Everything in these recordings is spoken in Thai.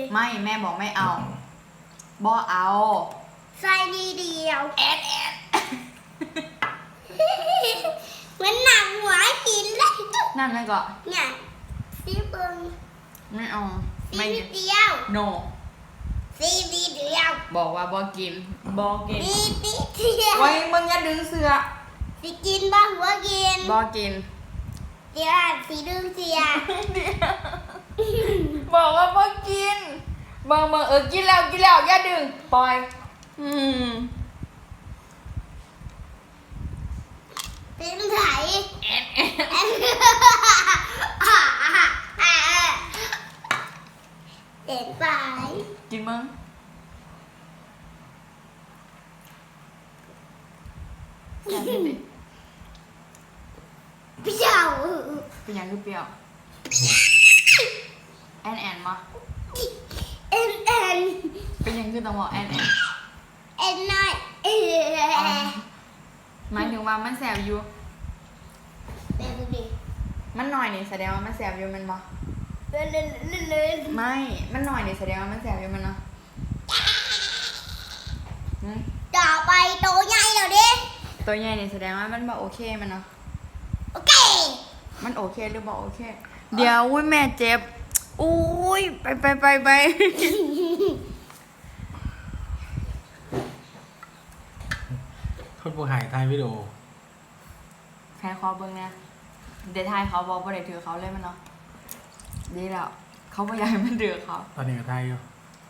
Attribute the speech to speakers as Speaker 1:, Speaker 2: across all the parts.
Speaker 1: ไม่แม่บอกไม่เอาบอเอา
Speaker 2: ใส่ดีเดียว
Speaker 1: แอน
Speaker 2: เหมือนหนังหัวหินเลย
Speaker 1: นั่นนั่นก็
Speaker 2: เนี่ยซีเบิง
Speaker 1: ไม่เอา
Speaker 2: ซีเดียว
Speaker 1: no
Speaker 2: ซีดีเดียว
Speaker 1: บอกว่าบอกิน
Speaker 2: ซีดีเดียว
Speaker 1: ไว้มึงอย่าดึงเสือ
Speaker 2: สิกินบ้างหัวกิน
Speaker 1: บอกิน
Speaker 2: เดี๋ยวสีดึงเสีย
Speaker 1: บอกว่าบอกินเบิ่งกินแล้วอย่าดึงปล่อย
Speaker 2: เป็นไถเด็ดไป
Speaker 1: กินมึงอยากกินดิ
Speaker 2: เปรี้ยว
Speaker 1: เป็นยังคือเปรี้ยวแอนมา
Speaker 2: เอ็น
Speaker 1: เป็นยังคือต้องบอกแอน
Speaker 2: น้อย
Speaker 1: หมายถึงว่ามันแสบอยู่
Speaker 2: เล่นดิ
Speaker 1: มันหน่อยนี่แสดงว่ามันแสบอยู่มันบ่
Speaker 2: เล่น
Speaker 1: ไม่มันหน่อยนี่แสดงว่ามันแสบอยู่มันเนาะ
Speaker 2: ต่อไปโตใหญ่แล้วดิ
Speaker 1: ตัวใหญ่นี่แสดงว่ามันบ่โอเคมันเนาะ
Speaker 2: โอเค
Speaker 1: มันโอเคหรือบ่โอเคเดี๋ยวอุ้ยแม่เจ็บอุ้ยไป
Speaker 3: โทษผู้หายถ่ายวิดีโอ
Speaker 1: ใครขอเบิ่งเนี่ยเดี๋ยวทายเขาบอกว่าได้ถือเขาเลยมันเนาะดีแล้วเขาบ่อยากให้มันถือเขา
Speaker 3: ตอนนี้ก็ถ่ายอยู่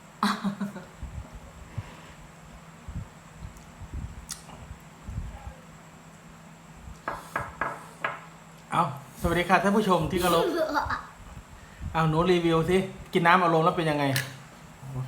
Speaker 3: เอาสวัสดีค่ะท่านผู้ชมที่เคารพเอาหนูรีวิวสิกินน้ำอารมณ์แล้วเป็นยังไง